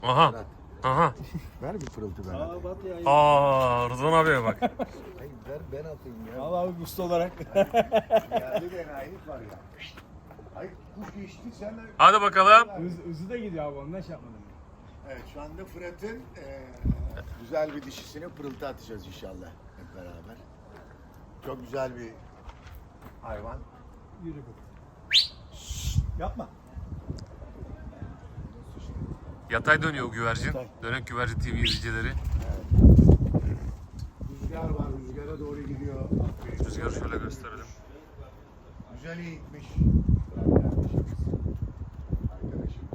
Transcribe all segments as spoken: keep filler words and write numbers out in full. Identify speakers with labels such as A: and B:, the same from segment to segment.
A: Aha. Aha.
B: Ver bir pırıltı ben atayım.
A: Aa, Rıdvan abiye bak.
B: Hayır ver ben atayım ya.
C: Al abi usta olarak.
B: Geldi ben ayıp var ya. Ay kuş geçti sen de.
A: Hadi bakalım.
C: Hız, hızı da gidiyor abi ondan şey yapmadım.
B: Evet şu anda Fırat'ın eee, güzel bir dişisine pırıltı atacağız inşallah hep beraber. Çok güzel bir hayvan.
C: Yürü bu. Yapma.
A: Yatay dönüyor o güvercin. Dönek güvercin T V izleyicileri.
B: Rüzgar var, rüzgara doğru gidiyor.
A: Rüzgarı şöyle gösterelim.
B: Güzel eğitmiş. Arkadaşımız. Arkadaşımız.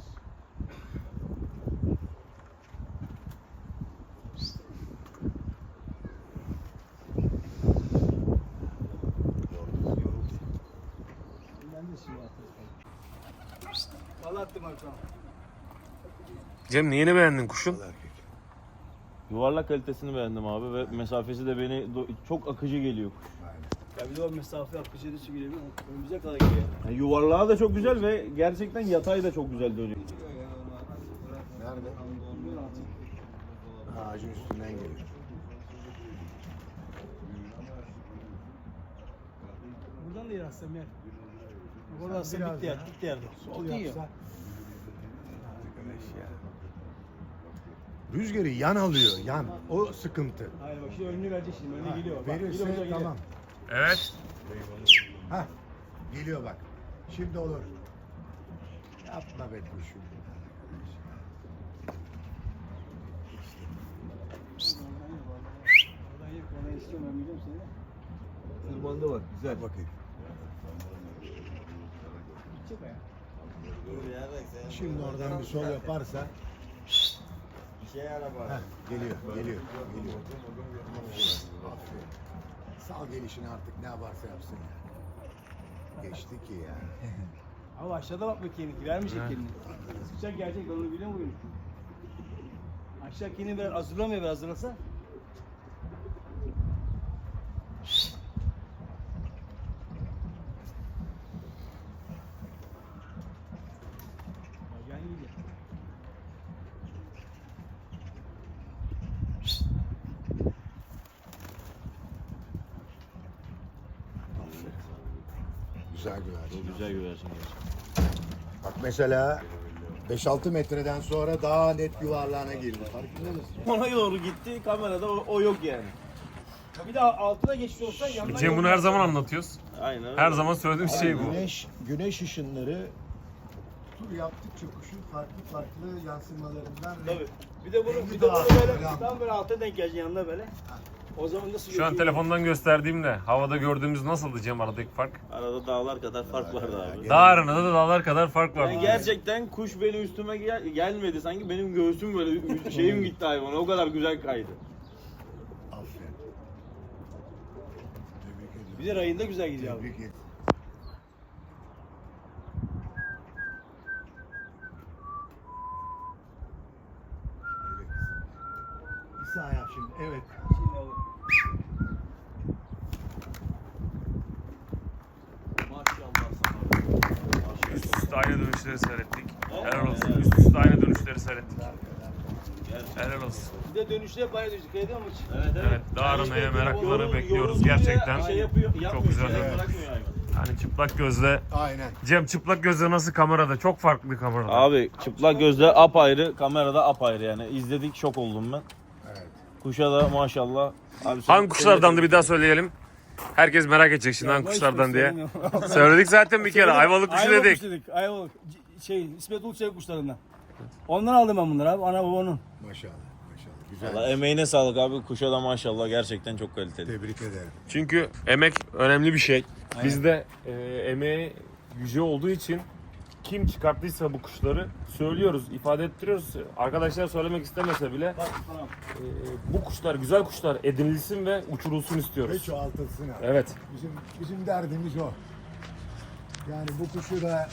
C: Ben de şimdi attım. Valla attım arkama.
A: Cem neyini beğendin kuşun?
B: Erkek.
D: Yuvarlak kalitesini beğendim abi ve mesafesi de beni do- çok akıcı geliyor kuş.
C: Ya bir de o mesafe akıcı da geliyor. Önümüze kadar geliyor.
D: Yani yuvarlağı da çok güzel ve gerçekten yatay da çok güzel dönüyor.
B: Nerede? Ağacın üstünden geliyor.
C: Buradan da yer aslında Mer. Buradan aslında bitti yer. Bitti yerde. Sol yiyor.
B: Arkadaş ya. Rüzgarı yan alıyor, yan. O sıkıntı.
C: Hayır bak şimdi önünü verecek şimdi. Önüne
B: Ha,
C: geliyor. Bak,
B: verirse
C: geliyor, geliyor.
B: tamam.
A: Evet.
B: Hah, geliyor bak. Şimdi olur. Yapma be kuşum.
C: Oradan yer. Oradan istiyorum ben biliyorum seni.
D: Tırmandı bak güzel.
B: Bakayım.
C: Gidecek o ya.
B: Şimdi oradan bir sol yaparsa.
D: Bir şey araba.
B: Heh, geliyor, geliyor, geliyor. Aferin. Sal gelişini artık ne yaparsa yapsın ya. Geçti ki ya.
C: Abi aşağıda bak bakayım. Vermeyecek kendini. Sıkacak gelecek onu biliyor musun? Aşağı kendini biraz hazırlamıyor biraz hazırlasa. Yani gidiyor.
B: Güzel güvercin.
D: Güzel güvercin.
B: Bak mesela beş altı metreden sonra daha net yuvarlağına girdi. Farkında mısın?
D: Ona doğru gitti kamerada o, o yok yani.
C: Bir de altına geçmiş olsa yandan
A: Cem bunu her zaman anlatıyoruz.
D: Aynen öyle.
A: Her zaman söylediğim şey bu.
B: Güneş, güneş ışınları tur yaptıkça kuşun farklı farklı yansımalarından
C: Tabii. Bir de bunu
B: Rengi
C: bir de
B: daha
C: bunu böyle
B: böyle.
C: tam böyle alta denk geleceksin yanına böyle. O zaman nasıl
A: Şu an
C: gözüküyor?
A: telefondan gösterdiğimde havada gördüğümüz nasıldı Cem aradaki fark?
D: Arada dağlar kadar fark vardı abi.
A: Dağ arasında da dağlar kadar fark var.
D: Yani gerçekten kuş benim üstüme gel- gelmedi sanki benim göğsüm böyle şeyim gitti hayvana o kadar güzel kaydı.
B: Aferin. Tebrik ediyorum.
C: Bir de rayında güzel gidiyor abi.
B: Tebrik ederim. Evet. Bir sağ yap şimdi. Evet.
C: Şimdi olur.
D: Maşallah sana.
A: Üst üste aynı dönüşleri seyrettik. Helal olsun. Üst üste aynı dönüşleri seyrettik. Helal olsun.
C: Bir de dönüşte hep aynı dönüşte ediyor mu hiç?
D: Evet
A: Evet, dağ aramaya meraklıları
D: Yorul-
A: bekliyoruz
D: yorulunca
A: gerçekten.
D: Şey yapıyor,
A: Çok
D: yapmıyor,
A: güzel
D: şey
A: dönüyor.
D: bırakmıyor hayvan.
A: Hani çıplak gözle,
B: Aynen.
A: Cem çıplak gözle nasıl kamerada? Çok farklı kamerada.
D: Abi çıplak gözle apayrı, kamerada apayrı yani. İzledik şok oldum ben.
B: Evet.
D: Kuşa da maşallah. Abi sen-
A: Hangi kuşlardan da bir daha söyleyelim. Herkes merak edecek şimdi hangi kuşlardan diye. Söyledik zaten bir kere. Ayvalık kuşu
C: Ayvalık
A: dedik.
C: kuşu dedik. Ayvalık. C- Şey, İsmet Uluçay kuşlarından. Ondan aldım ben bunları abi. Ana babanın.
B: Maşallah. Maşallah. Güzel.
D: Valla emeğine sağlık abi. Kuşa da maşallah gerçekten çok kaliteli.
B: Tebrik ederim.
A: Çünkü emek önemli bir şey. Bizde e, emeği yüce olduğu için kim çıkarttıysa bu kuşları söylüyoruz, ifade ettiriyoruz. Arkadaşlar söylemek istemese bile
C: Bak tamam.
A: e, bu kuşlar, güzel kuşlar edinilsin ve uçurulsun
B: Ve
A: istiyoruz.
B: çoğaltılsın abi.
A: Evet.
B: Bizim, bizim derdimiz o. Yani bu kuşu da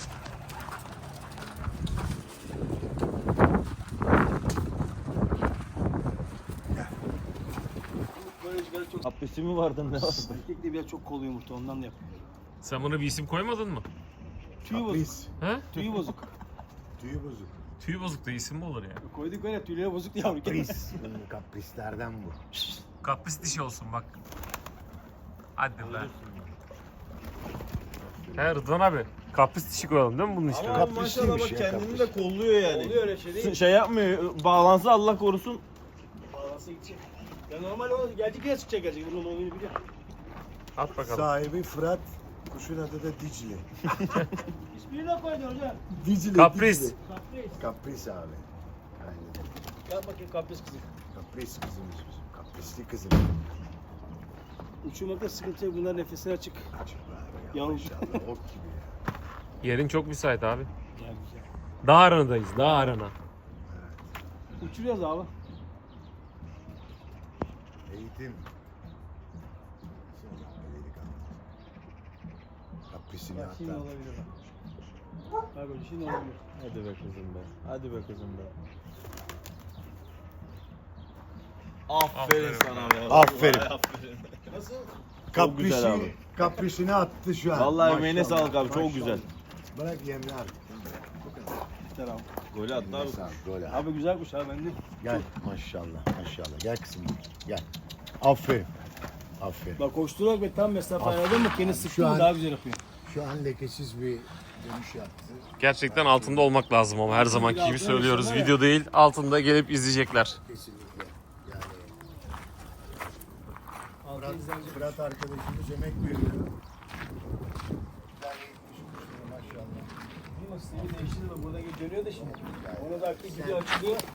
C: Böyle rüzgarı çok...
D: Abdesti mi vardı ne vardı?
C: Erkek de biraz çok kolu yumurta ondan da yapıyor.
A: Sen buna bir isim koymadın mı?
C: Tüyü bozuk.
B: kapris,
A: He?
C: Tüyü bozuk.
B: tüyü bozuk.
A: Tüy bozuk da isim mi olur ya?
C: Koyduk öyle tüyleri bozuk yavru.
B: Kapris. Hmm, Kaprislerden bu.
A: Kapris dişi olsun bak. Hadi be. He Rıdvan abi. Kapris dişi koyalım değil mi bunun işte?
D: Ama
B: Kaprisliymiş
D: maşallah bak
B: ya,
D: kendini
B: kapris.
D: de kolluyor yani.
C: Oluyor öyle şey değil.
D: Şey yapmıyor, bağlansa Allah korusun.
C: Bağlansa gidecek. Ya normal o gelecek yine çıkacak gelecek. Bunun oyunu biliyor.
A: At bakalım.
B: Sahibi Fırat. Kuşun adı da Dicle.
C: İsmini de koydun hocam.
B: Dicle.
A: Kapris.
B: Dicle.
C: Kapris.
B: Kapris abi. Aynen.
C: Gel bakayım kapris kızım.
B: Kapris kızımız bizim. Kaprisli kızım.
C: Uçurmakta sıkıntı yok. Bunlar nefesini açık.
B: Açık abi ya.
C: Yavrum.
B: Maşallah ok gibi ya.
A: Yerin çok müsait abi.
C: Gel güzel.
A: Dağ aranadayız. Dağ arana.
C: Uçuruyoruz abi.
B: Eğitim. Kaprisini
C: Bak şimdi
B: hatta.
C: olabilir bak. Bak öyle şimdi olabilir.
D: Hadi be kızım be. Hadi be kızım be. Aferin,
A: Aferin
D: sana
A: be.
D: be.
B: Aferin.
D: Vallahi aferin.
C: Nasıl?
D: Çok güzel
B: Kaprisi,
D: abi.
B: kaprisini attı şu an.
D: Vallahi emeğine
B: Maşallah,
D: sağlık abi, çok
B: maşallah.
D: güzel.
B: Bırak yemle artık.
C: Yeter abi.
D: Golü attı abi.
B: Eline sağlık, gol abi.
C: Abi güzel kuş abi bende.
B: Gel maşallah maşallah. Gel kızım gel. Aferin. Aferin.
C: Bak koşturarak ve tam mesafe ayarladın mı kendi
B: Şu
C: sıktın mı
B: an-
C: daha güzel yapıyor.
B: Şu an lekesiz bir dönüş yaptı.
A: Gerçekten altında olmak lazım ama her zamanki gibi
C: altında
A: söylüyoruz.
C: yaşıyorlar ya.
A: Video değil altında gelip izleyecekler.
B: Kesinlikle. Yani Fırat, Fırat arkadaşımız emek veriyor. Güzel eğitmiş kuşları maşallah.
C: Değil mi? Sistemi değiştirdi de buradan dönüyor da şimdi. Ona da aktif video açılıyor.